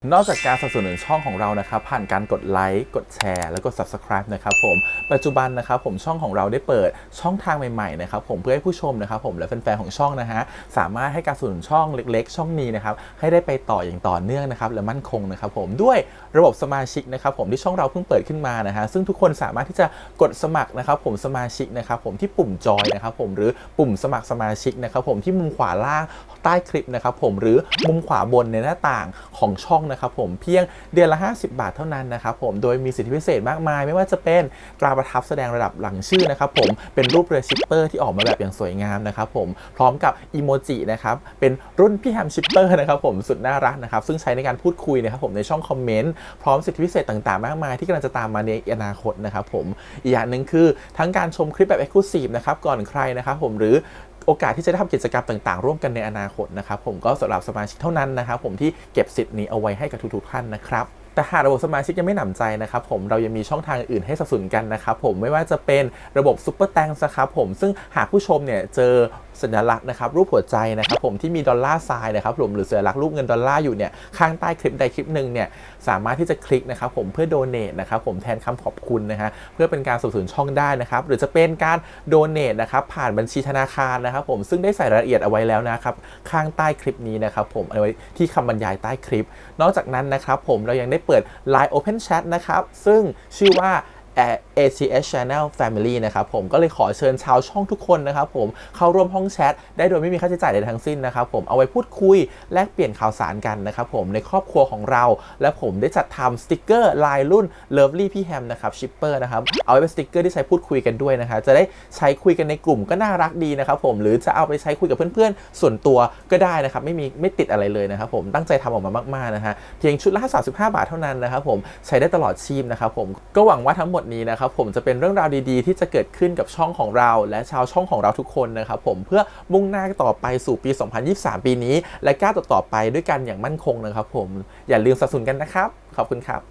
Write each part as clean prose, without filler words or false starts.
นอกจากการสนับสนุนช่องของเรานะครับผ่านการกดไลค์กดแชร์แล้วก็ Subscribe นะครับผมปัจจุบันนะครับผมช่องของเราได้เปิดช่องทางใหม่ๆนะครับผมเพื่อให้ผู้ชมนะครับผมและแฟนๆของช่องนะฮะสามารถให้การสนับสนุนช่องเล็กๆช่องนี้นะครับให้ได้ไปต่ออย่างต่อเนื่องนะครับและมั่นคงนะครับผมด้วยระบบสมาชิกนะครับผมที่ช่องเราเพิ่งเปิดขึ้นมานะฮะซึ่งทุกคนสามารถที่จะกดสมัครนะครับผมสมาชิกนะครับผมที่ปุ่มจอยนะครับผมหรือปุ่มสมัครสมาชิกนะครับผมที่มุมขวาล่างใต้คลิปนะครับผมหรือมุมขวาบนในหน้าต่างของช่องนะครับผมเพียงเดือนละ50 บาทเท่านั้นนะครับผมโดยมีสิทธิพิเศษมากมายไม่ว่าจะเป็นตราประทับแสดงระดับหลังชื่อนะครับผมเป็นรูปเรือชิปเปอร์ที่ออกมาแบบอย่างสวยงามนะครับผมพร้อมกับอีโมจินะครับเป็นรุ่นพี่แฮมชิปเปอร์นะครับผมสุดน่ารักนะครับซึ่งใช้ในการพูดคุยนะครับผมในช่องคอมเมนต์พร้อมสิทธิพิเศษต่างๆมากมายที่กำลังจะตามมาในอนาคตนะครับผมอีกอย่างหนึ่งคือทั้งการชมคลิปแบบ Exclusive นะครับก่อนใครนะครับผมหรือโอกาสที่จะได้ทำกิจกรรมต่างๆร่วมกันในอนาคตนะครับผมก็สำหรับสมาชิกเท่านั้นนะครับผมที่เก็บสิทธิ์นี้เอาไว้ให้กับทุกๆท่านนะครับแต่หากระบบสมาชิกยังไม่หนำใจนะครับผมเรายังมีช่องทางอื่นให้สนับสนุนกันนะครับผมไม่ว่าจะเป็นระบบซุปเปอร์แตงนะครับผมซึ่งหากผู้ชมเนี่ยเจอสัญลักษณ์นะครับรูปหัวใจนะครับผมที่มีดอลลาร์ไซน์นะครับผมหรือสัญลักษณ์รูปเงินดอลลาร์อยู่เนี่ยข้างใต้คลิปใดคลิปหนึ่งเนี่ยสามารถที่จะคลิกนะครับผมเพื่อโดเนทนะครับผมแทนคำขอบคุณนะฮะเพื่อเป็นการสนับสนุนช่องได้นะครับหรือจะเป็นการโดเนทนะครับผ่านบัญชีธนาคารนะครับผมซึ่งได้ใส่รายละเอียดเอาไว้แล้วนะครับข้างใต้คลิปนี้นะครับผมเอาไว้ที่คำบรรยายใต้คลิปนอกจากนั้นนะครับผมเรายังได้เปิด Line Open Chat นะครับซึ่งชื่อว่า ACS Channel Family นะครับผมก็เลยขอเชิญชาวช่องทุกคนนะครับผมเข้าร่วมห้องแชทได้โดยไม่มีค่าใช้จ่ายใดทั้งสิ้นนะครับผมเอาไว้พูดคุยแลกเปลี่ยนข่าวสารกันนะครับผมในครอบครัวของเราและผมได้จัดทำสติกเกอร์ลายรุ่น Lovely พี่แฮมนะครับชิปเปอร์นะครับเอาไว้เป็นสติกเกอร์ที่ใช้พูดคุยกันด้วยนะครับจะได้ใช้คุยกันในกลุ่มก็น่ารักดีนะครับผมหรือจะเอาไปใช้คุยกับเพื่อนๆส่วนตัวก็ได้นะครับไม่ติดอะไรเลยนะครับผมตั้งใจทำออกมามากๆนะฮะเพียงชุดละ35 บาทเท่านั้นนะครับผมใช้ได้ตลอดชีพนะครับผมก็หวังว่าทั้งหมดนี้นะครับผมจะเป็นเรื่องราวดีๆที่จะเกิดขึ้นกับช่องของเราและชาวช่องของเราทุกคนนะครับผมเพื่อมุ่งหน้าต่อไปสู่ปี 2023 ปีนี้และก้าวต่อไปด้วยกันอย่างมั่นคงนะครับผมอย่าลืมสนับสนุนกันนะครับขอบคุณครับ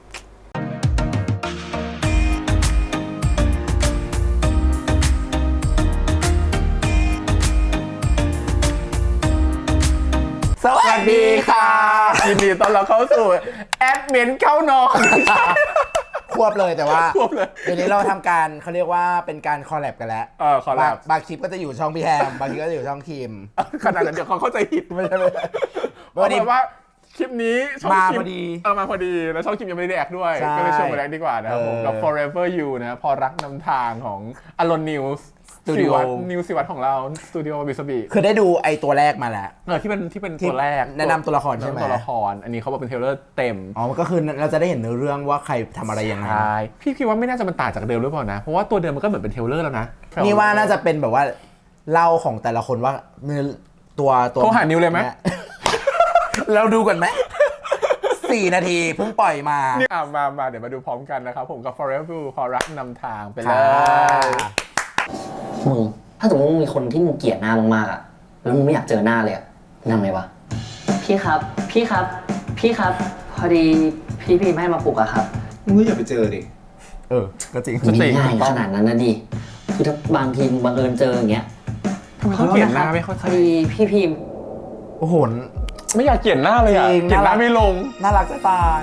สวัสดีค่ะยินดีต้อนรับเข้าสู่แอดมินเข้านอนควบเลยแต่ว่าควบเลยเดี๋ยวนี้เราทำการเขาเรียกว่าเป็นการคอลแลบกันแล้วคอลแลบบางคลิปก็จะอยู่ช่องพี่แฮมบางคลิปก็จะอยู่ช่องคิมขนาดนั้นเดี๋ยวเขาเข้าใจผิดไม่ใช่วันนี้ว่าคลิปนี้ช่องคิมมาพอดีมาพอดีแล้วช่องคิมยังไม่ได้แดกด้วยก็เลยชวนมาแดกดีกว่านะครับผมกับ Forever You นะพอรักนำทางของอลอนนิวส์สตูดิโอนิวสิวัตของเราสตูดิโอบิสบีคือได้ดูไอตัวแรกมาแล้วที่เป็นตัวแรกแนะนำตัวละครใช่ไหมตัวละครอันนี้เขาบอกเป็นเทเลอร์เต็มก็คือเราจะได้เห็นเนื้อเรื่องว่าใครทำอะไรยังไงใช่พี่คิดว่าไม่น่าจะมันต่างจากเดิมหรือเปล่านะเพราะว่าตัวเดิมมันก็เหมือนเป็นเทเลอร์แล้วนะนี่ว่าน่าจะเป็นแบบว่าเล่าของแต่ละคนว่าตัวโทรหานิวเลยไหมเราดูกันไหม4 นาทีเพิ่งปล่อยมามาเดี๋ยวมาดูพร้อมกันนะครับผมกับ Forever พอรักนำทางไปเลยมึงถ้าสมมติมึงมีคนที่มึงเกลียดหน้ามึงมากอะแล้วมึงไม่อยากเจอหน้าเลยอะนั่งไงวะพี่ครับพอดีพี่พิมพ์ให้มาปลุกอะครับมึงก็อย่าไปเจอดิก็จริงไม่ง่ายขนาดนั้นนะดิคือถ้าบางทีบังเอิญเจออย่างเงี้ยเขาเกลียดหน้าไม่ค่อยพอดีพี่พิมพ์โอ้โหไม่อยากเกลียดหน้าเลยอะเกลียดหน้าไม่ลงน่ารักจะตาย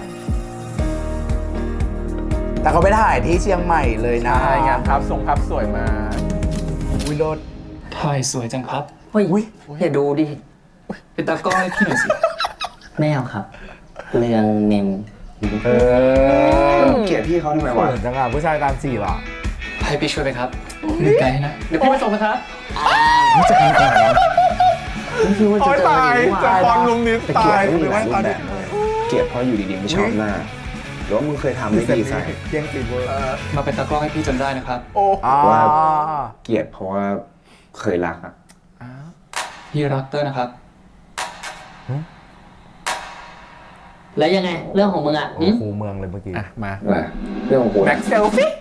แต่เขาไปถ่ายที่เชียงใหม่เลยนะใช่งานภาพสวยมาวิโรจน์ถ่ายสวยจังครับเฮ้ยอย่าดูดิเป็นตากล้องให้พี่หน่อยสิไม่เอาครับเรื่องเนมเกลียดพี่เขาทำไมวะจังอ่ะผู้ชายตามจีบอ่ะให้พี่ช่วยไปครับดูไกลนะเดี๋ยวพี่ไปส่งนะครับจะทำก่อนเหรอไม่คิดว่าจะเจอดีจะฟอนลุมนี้ตายหรือว่าตอนนี้เกลียดเพราะอยู่ดีๆไม่ชอบหน้าหรือว่ามึงเคยทำไม่ดีใส่เกียงตีเวอร์มาเป็นตากล้องให้พี่จนได้นะครับว่าเกลียดเพราะว่าเคยรักอ่ะพี่รักเตอร์นะครับแล้วยังไงเรื่องของมึงอ่ะครูเมืองเลยเมื่อกี้มาเรื่องของกูแบ็คเซลฟี่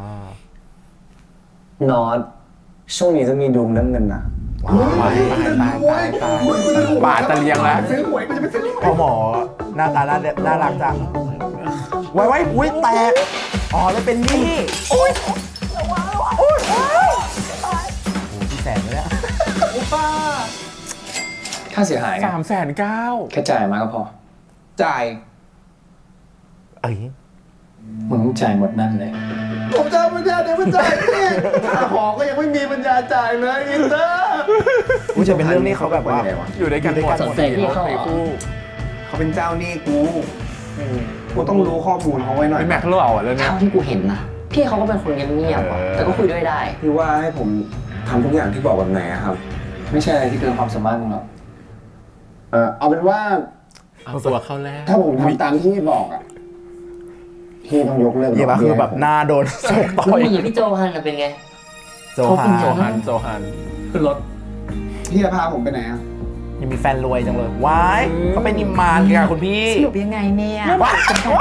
นอตช่วงนี้จะมีดวงเรื่องเงินนะตายบาทตะเลียงแล้วพอหมอหน้าตาน่ารักจังไว้อุ้ยแตกเลยเป็นนี่โอ้ยพี่แสนเลยเนี่ยค่าเสียหาย 390,000 แค่จ่ายมาก็พอจ่ายเอ้ยมึงจ่ายหมดนั่นเลยผมจะเอาปัญญาเดี๋ยวมันจ่ายนี่ค่าหอก็ยังไม่มีปัญญาจ่ายเลยอินเตอร์อุ้ยจะเป็นเรื่องนี้เขาแบบว่าอยู่ด้วยกันหมดสนใจพี่เขาเหรอเขาเป็นเจ้าหนี้กูต้องรู้ข้อมูลเขาไว้หน่อยพี่แม็กซ์เล่าอ่ะเรื่องเนี้ยเท่าที่กูเห็นนะพี่เขาก็เป็นคนเงียบๆอะแต่ก็คุยด้วยได้พี่ว่าให้ผมทำทุกอย่างที่บอกแบบไหนอะครับไม่ใช่อะไรที่เกินความสามารถมึงหรอกเอาเป็นว่าเอาตัวเข้าแรกถ้าผมทำตามที่บอกอ่ะพี่ต้องยกเลิกเยี่ยมคือแบบหน้าโดนโชกต่มึอง ยมีพี่โจฮันน่ะเป็นไงโจฮาโจฮาโจฮันขึ้นรถพี่จะพาผมไปไหนอ่ะยังมีแฟนรวยจังเลยว้ายเขาเป็นนิมมานกันคุณพี่สรุปยังไงเนี่ยว้าย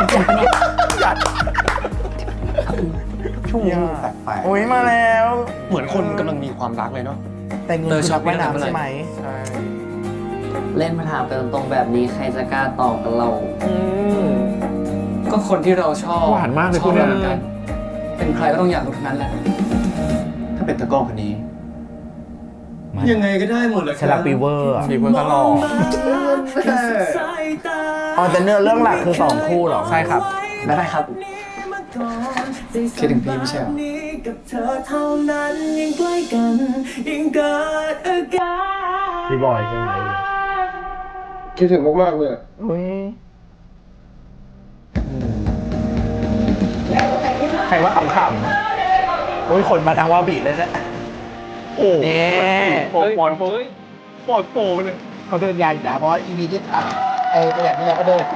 ช่วงนี้แปลกโอ้ยมาแล้วเหมือนคนกำลังมีความรักเลยเนาะแต่เงินคือนักว่ายน้ำใช่ไหมใช่เล่นมาถามกันตรงๆแบบนี้ใครจะกล้าตอบกับเราก็คนที่เราชอบหวานมากเลยชคุอบณเราเหมือนกัน เป็นใครก็ต้องอยากรู้ทั้งนั้นแหละ ถ้าเป็นตะกล้องคนนี้ ยังไงก็ได้หมดเลยชลักปีเวอร์อะมีเพื่อนก็หล่ออ๋อแต่เนื้อเรื่องหลักคือ2คู่เหรอใช่ครับไม่ได้ครับคิดถึงพี่ไม่ใช่เหรอพี่บอยใช่ไหมคิดถึงมากๆเลยอุ้ยใครว่าขำๆอุ้ยคนมาทางวาบีเลยนะโอ้เนี่ยปอดโปเลยเขาเดินยานด่าเพราะอีพีที่ไอ้ประหยัดนี่แหละก็เดิน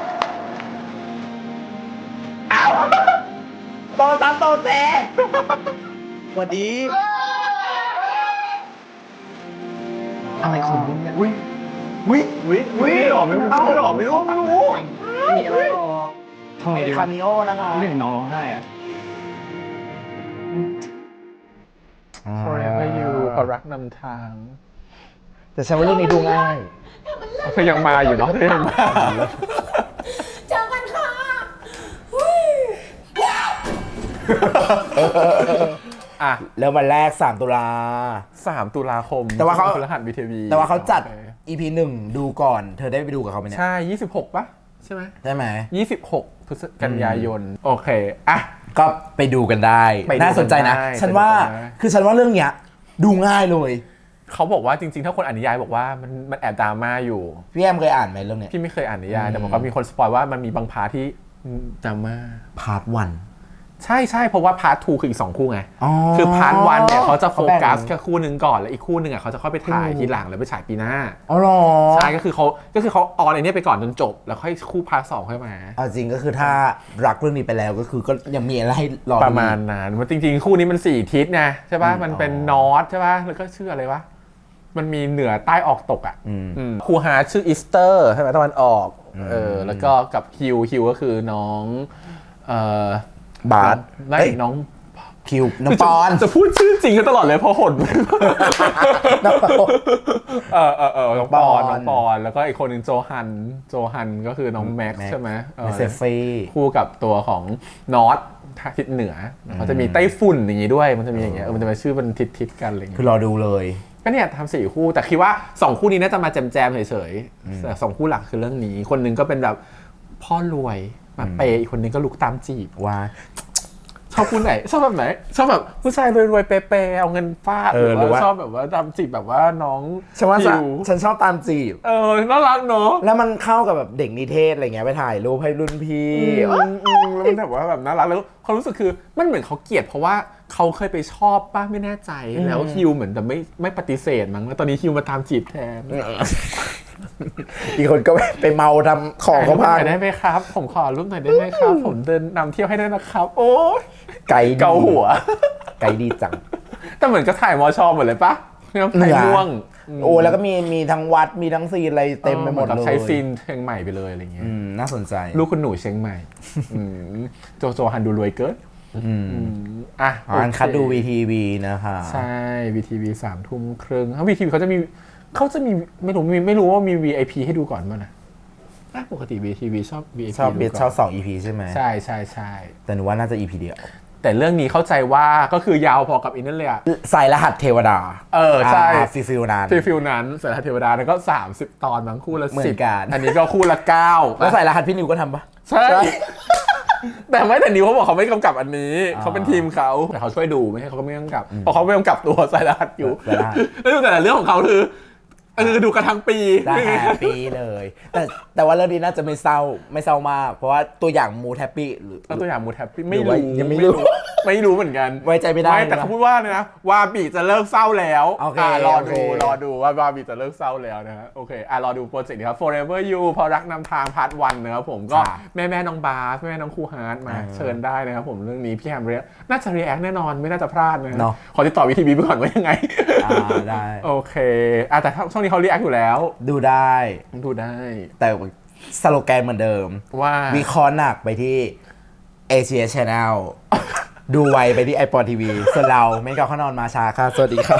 อ้าวโตตามโตเต้สวัสดีอะไรของมึงเนี่ยวิหล่อไม่รู้หล่อไม่รู้ทำไมดีะคาวมิโอนะคะเรื่องน้องให้อ่ะ Forever You เพราะรักนำทางแต่ฉันว่าเรื่องนี้ดูง่ายก็ยังมาอยู่เนาะยังมาเจอกันค่ะอ่ะแล้ววันแรก3 ตุลา 3 ตุลาคมแต่ว่าเขาพฤหัสบีทีวีแต่ว่าเขาจัด EP 1 ดูก่อน เธอได้ไปดูกับเขาไหมเนี่ยใช่ 26 ปะใช่ไหมใช่ไหม 26 พฤศจิกายน โอเค อ่ะก็ไปดูกันได้ไปดูกันน่าสนใจนะได้ฉันว่าไปดูกันได้คือฉันว่าเรื่องเนี้ย ดูง่ายเลยเขาบอกว่าจริงๆ ถ้าคนอ่านนิยายบอกว่ามันแอบดราม่าอยู่พี่แอมเคยอ่านไหมเรื่องเนี้ยพี่ไม่เคยอ่านนิยาย แต่บอกว่ามีคนสปอยว่ามันมีบางพาร์ทที่ดราม่าพาร์ทวันใช่เพราะว่าพาร์ท2คืออีก 2 คู่ไงอ๋อคือพาร์ท1เนี่ยเขาจะโฟกัสเขาแบ่งแค่คู่หนึ่งก่อน แล้วอีกคู่หนึ่งอ่ะเขาจะค่อยไปถ่ายทีหลังแล้วไปฉายปีหน้าอ๋อเหรอใช่ก็คือเขาออนไอเนี้ยไปก่อนจนจบ แล้วค่อยคู่พาร์ท2ค่อยมาเอาจริงก็คือถ้ารักเรื่องนี้ไปแล้วก็คือก็ยังมีอะไรให้รอดูประมาณนั้นว่าจริงๆ คู่นี้มัน4ทิศไงใช่ป่ะมันเป็นนอร์ทใช่ป่ะแล้วก็ชื่ออะไรวะมันมีเหนือใต้ออกตกอ่ะครูฮาชื่ออีสเตอร์ใช่ไหมตะวันออกแล้วก็กับฮิวก็คือน้องบาสไม่เอ้ยน้องคิวน้องปอนจะพูดชื่อจริงกันตลอดเลยเพราะหดน้องปอนน้องปอนแล้วก็อีกคนหนึ่งโจฮันก็คือน้องแม็กซ์ใช่ไหมเมสเซฟี่คู่กับตัวของนอตทิศเหนือเขาจะมีไต้ฝุ่นอย่างงี้ด้วยมันจะมีอย่างเงี้ยมันจะมาชื่อมันทิศกันอะไรเงี้ยคือรอดูเลยก็เนี่ยทำ4 คู่แต่คิดว่า2 คู่นี้น่าจะมาแจมเฉยๆแต่2 คู่หลักคือเรื่องนี้คนหนึงก็เป็นแบบพ่อรวยมาเปย์อีกคนหนึงก็ลุกตามจีบว่าชอบคู่ไหนชอบแบบไหนชอบแบบผู้ชายรวยๆเปย์ๆเอาเงินฟาดหรือว่าชอบแบบว่าตามจีบแบบว่าน้องฉันว่าฮิวฉันชอบตามจีบน่ารักเนาะแล้วมันเข้ากับแบบเด็กนิเทศอะไรเงี้ยไปถ่ายรูปให้รุ่นพี่แล้วมันแบบว่าแบบน่ารักแล้วความรู้สึกคือมันเหมือนเขาเกลียดเพราะว่าเขาเคยไปชอบป้าไม่แน่ใจแล้วฮิวเหมือนแต่ไม่ปฏิเสธมั้งแล้วตอนนี้ฮิวมาตามจีบแทนอีกคนก็ไปเมาทำของเขาพังถ่ยรูปหน่อยได้ไหมครับ ผมขอรูปหน่อยได้ไหมครับ ผมเดินนำเที่ยวให้ด้วยนะครับ โอ้ยไก่ดีเกาหัวไก่ดีจังแต่เหมือนก็ถ่ายมอชอหมดเลยปะเนี่ยถ่ายม่วงโอ้แล้วก็มีทั้งวัดมีทั้งซีนอะไรเต็มไปหมดกับเลยใช้ซีนเชียงใหม่ไปเลยอะไรเงี้ยน่าสนใจลูกคุณหนูเชียงใหม่โจฮันดูรวยเกินอ่ะอันคัดดู VTV นะคะใช่ VTV 3 ทุ่มครึ่งเขา VTV เขาจะมีไม่รู้ว่ามี VIP ให้ดูก่อนมั้ยนะปกติ VTV ชอบ VIP ชอบเบสดูก่นชอบ2 EP ใช่ไหมใช่แต่หนูว่าน่าจะ EP เดียวแต่เรื่องนี้เข้าใจว่าก็คือยาวพอกับอินนั่นเลยอะใส่รหัสเทวดาใช่ฟิลนั้นฟิลนั้นสารเทวดาแล้วก็30 ตอนบางคู่ละเหมือนกัน 10อันนี้ก็คู่ละ9 แล้วใส่รหัสพี่นิวก็ทำปะใช่ แต่แต่นิวเขาบอกเขาไม่กำกับอันนี้อ๋อเขาเป็นทีมเขาแต่เขาช่วยดูไม่ใช่เขาก็ไม่กำกับเพราะเขาไม่กำกับตัวสายรหัสอยู่สายรหัสแล้วดูแต่ละเรื่องของเขาคือดูกันทั้งปีได้แฮปปี้เลย แต่ว่าเรื่องนี้น่าจะไม่เศร้ามาก เพราะว่าตัวอย่างมูดแฮปปี้หรือเอาตัวอย่างมูดแฮปปี้หรืไม่อว่ารู้ยังไม่รู้ไม่รู้เหมือนกันไว้ใจไม่ได้แต่เขาพูดว่านะวาบีจะเลิกเศร้าแล้วโอเครอโอเคดูว่าวาบีจะเลิกเศร้าแล้วนะฮะโอเครอดูโปรเจกต์นี้ครับ Forever You พอรักนำทางพาร์ท 1นะครับผมก็แม่น้องบาสแม่น้องครูฮาร์ดมาเชิญได้นะครับผมเรื่องนี้พี่แฮมเรียน่าจะรีแอคแน่นอนไม่น่าจะพลาดนะเนาะขอติดต่อวิทีบีไปก่อนว่ายังไงได้โอเคแต่ช่วงนี้เขารีแอคอยู่แล้วดูได้ดูได้แต่สโลแกนเหมือนเดิมว่าวิเคราะห์หนักไปที่ Asia Channel ดูไวไปที่ iPod TV ส่วนเราเม้นกับข้านอนมาช้าค่ะ สวัสดีครับ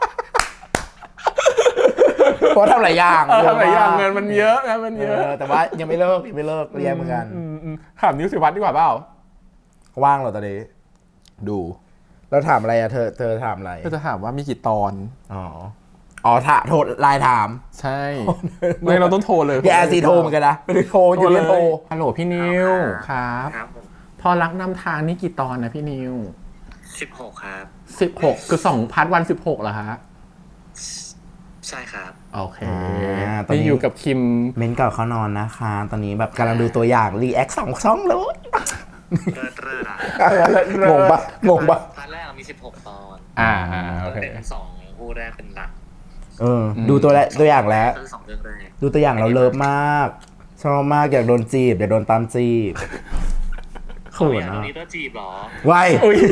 เพราะทำหลายอย่างทำหลายอย่างมกเงินมันเยอะนะมันเยอะแต่ว่ายังไม่เลิกเรียนเหมือนกันถามนิวสิวัฒน์ดีกว่าเปล่าว่างเหรอตอนนี้ดูเราถามอะไรอะเธอถามอะไรก็จะถามว่ามีกี่ตอนอ๋อโทรไลน์ถามใช่ ไม่เราต้องโทรเลยพี่แอร์ซีโทรเหมือนกันนะไม่ได้โทรอยู่เรียนโทรฮัลโหลพี่นิวครับครับผมพอรักนำทางนี่กี่ตอนนะพี่นิว 16 ครับ 16 คือ2พาร์ทวัน16เหรอฮะใช่ครับโอเคตอนนี้นี่อยู่กับคิมเม้นก่อนเขานอนนะคะ ตอนนี้แบบกำลังดูตัวอย่างรีแอค2 ช่องเลยเลิศอ่ะงงปะพาร์ทแรกมี 16 ตอนโอเคเป็น2คู่แรกเป็นหลักดูตัวอย่างแล้วคือ2เรื่องแรกดูตัวอย่างเราเลิฟมาก ชอบมากอยากโดนจีบอยากโดนตามจีบเขินตรอ่ะงนี้ต้องจีบเหรอไว้อุ๊ย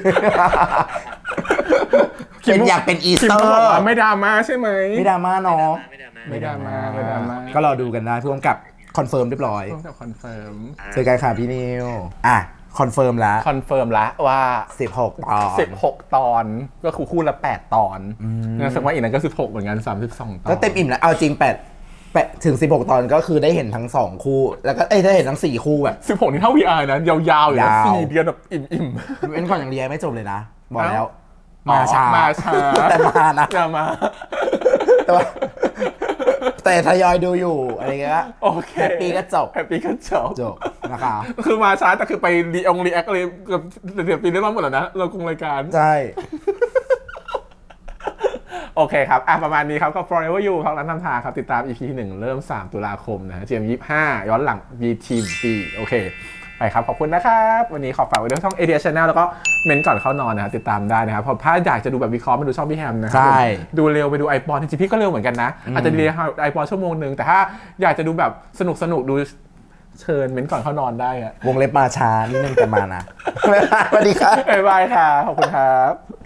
เป็นอยากเป็นอีสคิมเตอก็บอกว่าร์ไม่ดราม่าใช่ไหมไม่ดราม่าเนาะไม่ได้ไม่ดราม่าไม่ดราม่าก็รอดูกันได้พ่วงกับคอนเฟิร์มเรียบร้อยต้องกับคอนเฟิร์มเจอกันค่ะพี่นิวคอนเฟิร์มแล้วคอนเฟิร์มแล้วว่า 16 ตอน 16 ตอนก็คือคู่ละ8 ตอนงั้นแสดงว่าอีกนั้นก็16เหมือนกัน32 ตอนก็เต็มอิ่มแล้วเอาจริง8ถึง16 ตอนก็คือได้เห็นทั้ง2คู่แล้วก็ได้เห็นทั้ง4คู่แบบ 16 นี่เท่า VR นะยาวๆอยู่นะยาว 4 เดือนแบบอิ่มเป็นก่อนอย่างเรียนไม่จบเลยนะ บอกแล้วๆมาช้ามาช้าแต่มานะอย่ามาแต่ว่าแต่ทยอยดูอยู่อะไรเงี้ยโอเคแฮปปี้ก็จบแฮปปี้ก็จบนะคะคือมาช้าแต่คือไปรีแอคอะไรเกือบเดือนปีได้รอบหมดแล้วนะเราคงรายการใช่โอเคครับประมาณนี้ครับก็ Forever You พักนั้นทำทางครับ ติดตาม EP 1 เริ่ม 3 ตุลาคมนะฮะ GM25 ย้อนหลัง BTV โอเค ไปครับ ขอบคุณนะครับ วันนี้ขอฝากไว้ด้วยช่อง ADS Channel แล้วก็เมนก่อนเข้านอนนะฮะติดตามได้นะครับเพราะถ้าอยากจะดูแบบวิเคราะห์มาดูช่องพี่แฮมนะครัใช่ดูเร็วไปดูไอปอนจริงๆพี่ก็เร็วเหมือนกันนะ อาจจะดีไอปอนชั่วโมงนึงแต่ถ้าอยากจะดูแบบสนุกดูเชิญเมนก่อนเข้านอนได้อะวงเล็บมาช้านิดนึงแต่มานะ สวัสดีครับบ๊ายบายค่ะขอบคุณครับ